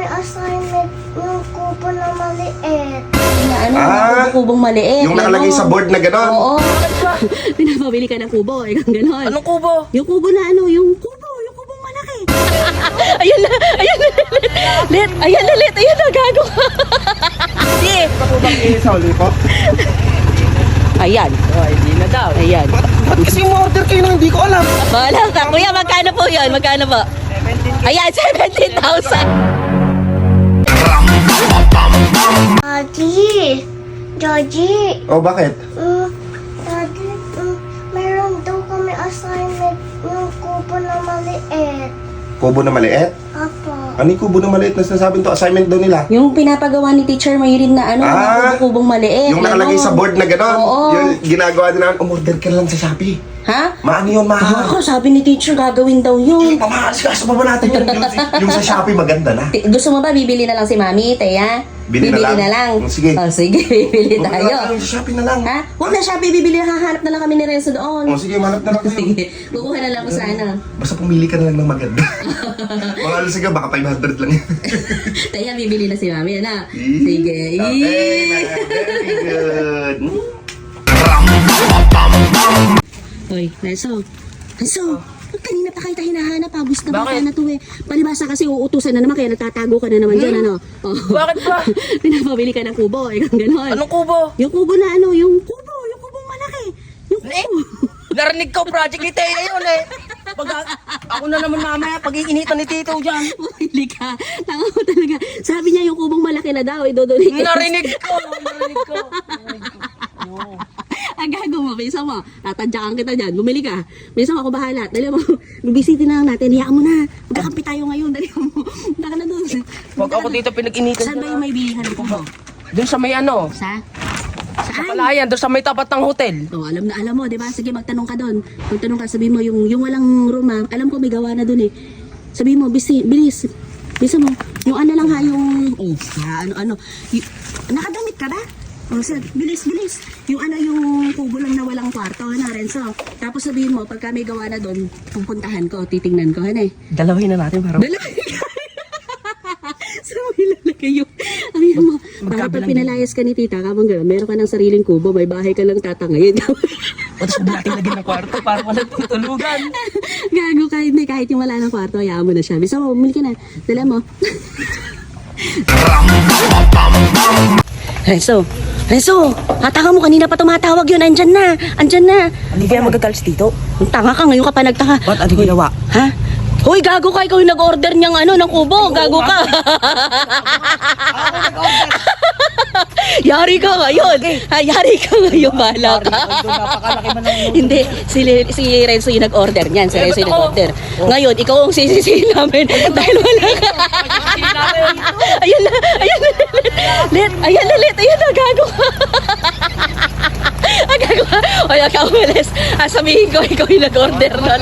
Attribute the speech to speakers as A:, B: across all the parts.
A: may assignment yung kubo na maliit.
B: Na ano, yung kubong maliit.
C: Yung nakalagay sa board na gano'n.
B: Oo. Pinapabili ka ng kubo, ikaw gano'n.
D: Anong kubo?
B: Yung kubo na ano, yung kubong malaki. Ayun na, Lit, ayan na, gago. Hindi.
C: Patubang sa uli po.
B: Ayan.
D: Oh, hindi na daw.
B: Ayan.
C: Ba't kasi umorder kayo na hindi ko alam?
B: Wala ka. Kuya, magkano po yun? Magkano po?
D: 17.
B: Ayan, 17,000.
A: Daddy,
C: Oh, bakit?
A: Daddy, meron daw kami assignment yung kubo na maliit.
C: Kubo na maliit?
A: Apo.
C: Ano yung kubo na maliit na sinasabing to? Assignment daw nila?
B: Yung pinapagawa ni Teacher Mayrin na ano, na kubong maliit.
C: Yung nakalagay
B: ano.
C: sa board na gano'n.
B: Oo.
C: Yung ginagawa din namin, umorder ka lang sa Shopee.
B: Ha?
C: Maano yun,
B: Ako, sabi ni Teacher, gagawin daw yun.
C: Pamahasikaso pa ba natin yun? Yung sa Shopee maganda na.
B: Gusto mo ba bibili na lang si Mami, Teya?
C: Bili na lang? Sige.
B: Oh, sige, bibili
C: Huwag na
B: tayo.
C: lang sa Shopee na lang.
B: Ha? Huwag na Shopee, bibili. Hahanap na lang kami ni Renzo doon.
C: Oh, sige, manap na lang kayo.
B: Sige, kukuha na lang ako sa ano.
C: Basta pumili ka na lang ng maganda. Mga alas sige, baka 500 lang yan.
B: Teya, bibili na si Mami, ano? Sige.
C: Okay, very good.
B: Hoy, Renzo. Kanina pa kayo hinahanap, pabus na baka
D: Bakit?
B: na to eh. Palibasa kasi uutusan na naman, kaya nagtatago ka na naman dyan, ano? Oh.
D: Bakit ba?
B: Pinapabili ka ng kubo, ikaw gano'n.
D: Anong kubo?
B: Yung kubo na ano, yung kubong malaki. Yung kubo.
D: Eh, narinig ko project ni Teya yun eh. Pag ako na naman mamaya, pag-iinitan ni Tito dyan.
B: Bumili ka. Tanga mo talaga. Sabi niya yung kubong malaki na daw, idodonate.
D: Narinig ko.
B: Ang gago mo, bisa mo. Tatadyakan kita dyan. Bumili ka. Bisa mo, ako bahala. Dali mo, bibisitin na lang natin. Hiyaan mo na. Magkakampi tayo ngayon. Dali mo. Punta ka na doon.
D: Pag ako dito pinag-initan
B: Saan ba yung may bilihan ko mo?
D: Doon sa may ano,
B: Sa?
D: sa
B: Saan?
D: Palayan, doon sa may tapat ng hotel.
B: Oh, alam mo, 'di ba? Sige, magtanong ka doon. Magtanong ka, sabihin mo yung walang room, ha? Alam ko may gawa na doon eh. Sabihin mo, bilis. Bisa mo. Yung ano lang ha, yung ano. Nakadamit ka ba? Oh, sir, bilis. Yung ano, yung kubo lang na walang kwarto, na Renzo. Tapos sabihin mo, pagka may gawa na doon, pupuntahan ko, titingnan ko, ano eh.
D: Dalawin na natin para.
B: Dala. Saan mo ilalagay yung... Sabihin mo, para pag pinalayas ka ni tita, kapag gano'n, meron ka ng sariling kubo, may bahay ka lang tatangayin.
D: O tapos natin lagyan ng kwarto para walang tutulugan.
B: Gago kahit yung wala ng kwarto, hayaan mo na siya. Bisa mo, bumili ka na. Dala mo. Renzo, hataka mo, kanina pa tumatawag yun. Andyan na.
D: Hindi kaya magagalis dito?
B: Ang tanga ka, ngayon ka pa nagtaka.
D: Ba't ano ginawa?
B: Ha? Hoy, gago ka, ikaw yung nag-order niyang ano, ng kubo. Gago ka. Yari ka ngayon. Yari ka ngayon, bahala ka.
D: Napakalaki man ng
B: Hindi, si Renzo yung nag-order niyan. Si Renzo yung nag-order. Ngayon, ikaw ang sisisihin namin dahil wala ka. Ayun na. Lit. Ayun na, gago ka. Gago ka. O, ikaw umalis. Sabihin ko, ikaw yung nag-order nun.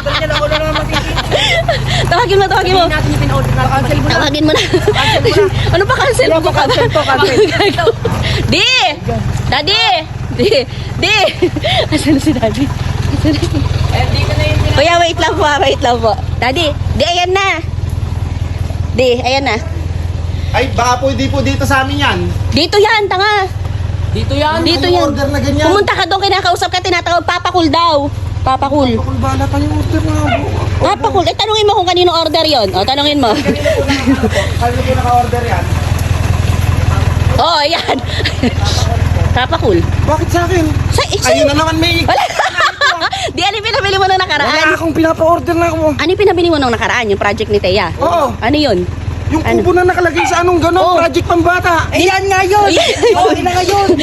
B: Tawagin mo.
D: natin yung pin-order natin. Cancel mo na.
B: Tawagin mo na. Ano pa cancel mo ka ba?
D: Cancel.
B: Daddy! Asan na si Daddy?
D: Eh, di ka na yun.
B: Kuya, wait lang po. Daddy, ayan na. Ayan na.
C: Ay, baka po hindi po dito sa amin yan.
B: Dito yan, tanga.
D: Dito yan.
B: Dito
C: Yung
B: yan.
C: order na ganyan.
B: Pumunta ka doon, kinakausap ka, tinatawag, Papakul daw. Papakul.
C: Kung bahala pa yung order na
B: Papakul. Tanungin mo kung kanino order yon. Tanungin mo.
C: Kaya po naka-order yan.
B: Ayan. Papakul.
C: Bakit sa akin? Ayun na naman may...
B: Wala. Di, ano yung pinabili mo nung
C: Wala
B: nakaraan?
C: akong pinapa-order na ako.
B: Ano yung pinabili mo nung nakaraan? Yung project ni Teya?
C: Oo.
B: Ano yun?
C: Yung kubo na nakalagay sa anong gano'n,
B: Oh.
C: project pambata.
D: Ayan nga yun. Oo, yun na nga yun.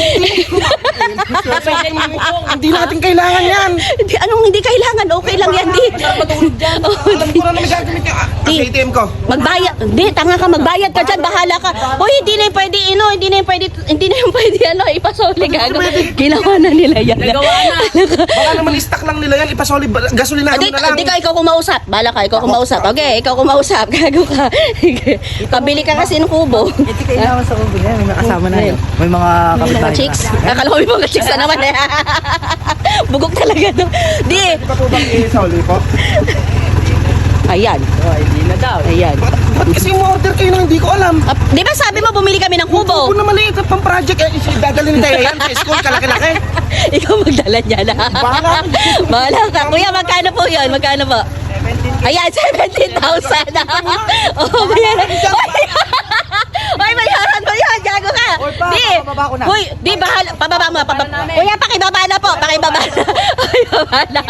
C: Hindi natin kailangan yan.
B: Di, anong hindi kailangan? Okay lang yan, di.
D: Matulog dyan.
C: Alam ko na may gagamit yung
B: Di.
C: ATM ko.
B: Magbayad. Di, tanga ka, magbayad ka dyan, bahala ka. Hoy, hindi na yung pwede, ipasoli gago. Ginawa na nila yan.
D: Nagawa na.
C: Baka naman i-stack lang nila yan, ipasoli, gasolina
B: Di,
C: na lang.
B: di ka, ikaw kumausap. Bahala ka, ikaw kumausap. Okay, ikaw kumausap. Gago ka. Pabili ka kasi ng kubo.
D: Ito kailangan sa ubo yan. May mga kasama na yun. May mga
B: Mga
D: kapitbahay
B: chicks. Akala ko may mga chicks na naman eh. Bugok talaga to. Di.
C: Ito po bang isoli po?
B: Ayan.
D: Oh, hindi na daw.
B: Ayan.
E: Ba't kasi umorder kayo nang hindi ko alam?
B: Ah, di ba sabi mo bumili kami ng kubo?
E: Kubo na maliit na pang project. Dadalhin ni Taya yan sa school, kalaki-laki.
B: Ikaw magdala niya na.
E: Bahala ka.
B: Bahala ka. Kuya, magkano po yun? Magkano po? Ayan, 17,000. Oh, bayaran. Oy, bayaran mo yun. Gago ka.
D: Oy, pa,
B: Di.
D: papababa ko na.
B: Uy, di, bahala. Pababa mo. Kuya, pakibaba na po. Pakibaba na. Pakibaba na.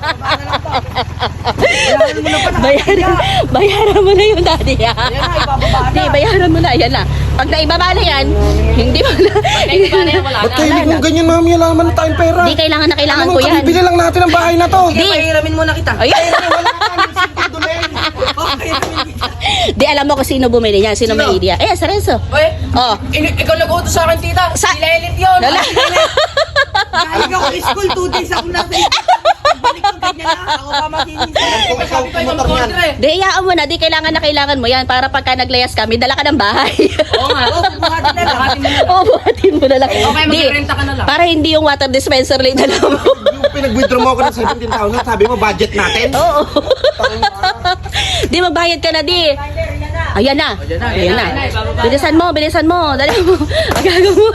B: Bayaran mo na yung daddy. Di, bayaran mo na. Yan na. Pag naibaba na yan, hindi mo na.
E: Ba't kayo kung ganyan, mami? Alaman na tayong pera.
B: Di, kailangan na kailangan
E: Alam
B: ko
E: mo,
B: yan.
E: bili lang natin ang bahay na to.
B: Di.
D: Pahiramin muna kita.
B: Ayun. Di, alam mo kung sino bumili niya, sino may idea. Eh, sa Renzo.
D: Oy,
B: Oh.
D: ikaw nag-utos sa akin, tita.
B: Sa-
D: Si Lelit yun.
B: Lala.
D: Galing ako school, 2 days ako nasa balik ko ganyan na. Ako pa makinis. Sabi ko yung kontra eh.
B: Di, iyaan mo na. Di, kailangan mo yan para pagka naglayas kami, dala ka ng bahay.
D: Oo nga. Oo, buhatin na lang. Buhatin mo na lang.
B: Oo, buhatin mo na lang.
D: Okay,
B: Di,
D: magrerenta ka na lang.
B: para hindi yung water dispenser lang dala mo.
E: Yung pinag-withdraw mo ako ng 17,000, sabi mo, budget natin.
B: Oo. Di, magbayad ka na, di. Ayan na. Ayan na. Bilisan mo. Dali mo. Agago mo.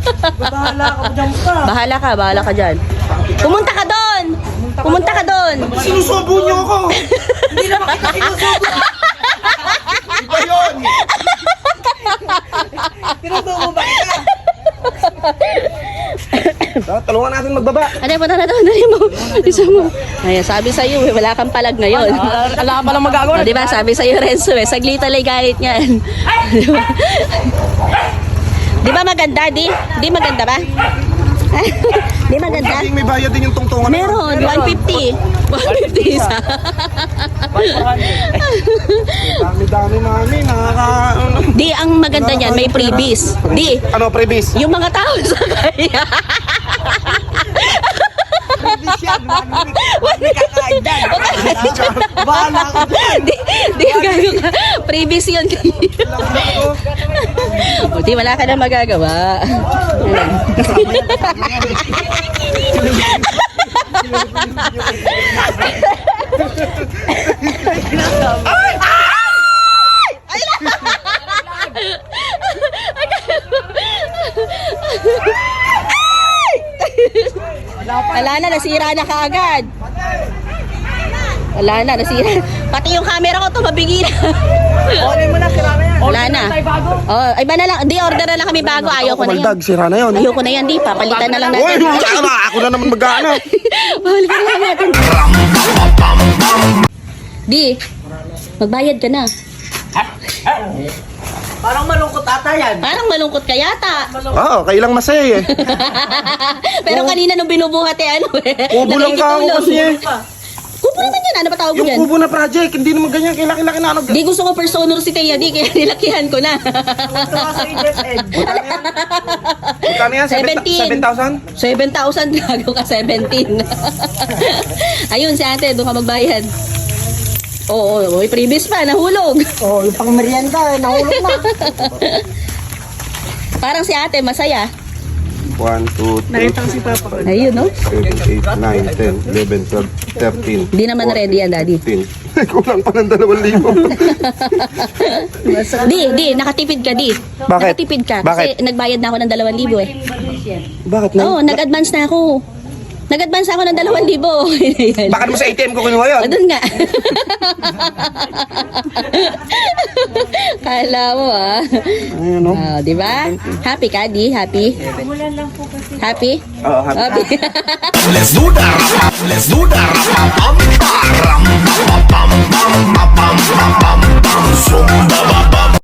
B: Bahala ka dyan. Pumunta ka doon.
E: Sinusubo niyo ako.
D: Hindi naman kita sinusubo.
E: Iba yun.
D: Sinusubo ba kita?
E: Tulungan natin magbaba.
B: Ano, punta na doon. Dali mo. Isa mo. Ayan, sabi sa'yo, wala kang palag ngayon.
D: Wala ka palang magagawa.
B: Di ba, sabi sa'yo, Renzo, saglit alay galit niyan. Di ba maganda, di? Di maganda ba? Di maganda?
E: Kasi may bayad din yung tungtungan.
B: Meron, 150. 150 isa.
E: Dami-dami, mami.
B: Di, ang maganda niyan, may freebies. Di,
E: Ano, previs?
B: yung mga tao sa kaya.
E: Bahala ka.
B: Di, gago ka. Freebies yun. O, di, wala ka na magagawa. Wala na, nasira na kaagad. Wala na, nasira. Pati yung camera ko tumabigi na.
D: Okay mo na, sira na yan.
B: Wala na. Oh, iba na lang. Di, order na lang kami bago. Ayoko na yan.
E: Kumaldag, sira na yun.
B: Ayoko na yan, di. Papalitan na lang
E: Uy,
B: natin.
E: ako na naman mag-ano.
B: Papalitan na lang natin. Di, magbayad ka na.
D: Parang malungkot ata yan.
B: Parang malungkot ka yata.
E: Oo, kailang masaya eh.
B: Pero kanina nung binubuhat eh, ano eh.
E: Kubo lang ka ako kasi eh.
B: Kubo naman yan. Ano ba tawag mo
E: Yung
B: yan?
E: kubo na project, hindi naman ganyan, kilaki-laki na ano.
B: Di, gusto ko personal si Teya, di. Kaya nilakihan ko na.
E: Magkano yan?
B: 17.
E: 7,000?
B: 7,000 gago ka, 17. Ayun, si ate, doon ka magbayad. Oo, may previous pa, nahulog.
D: Oo, yung pang merienda, nahulog na.
B: Parang si ate, masaya.
E: 1, 2, 3,
B: Ayun, no?
E: 7, 8, 9, 10, 11, 12, 13.
B: Di naman ready yan, daddy.
E: 15. Kulang pa ng 2,000.
B: Di, nakatipid ka, di.
E: Bakit?
B: Nakatipid ka.
E: Bakit?
B: Kasi nagbayad na ako ng 2,000 eh.
E: Bakit na?
B: Oo, nag-advance na ako. Nag-advance ako ng 2,000. Ayan.
E: Bakit mo sa ATM ko kinuha yun?
B: O, dun nga. Kala mo ah.
E: Ayun o.
B: Oh, di ba? Happy ka, di? Happy? Happy?
E: Oo, happy.
B: Happy.
F: Let's do that, let's do that,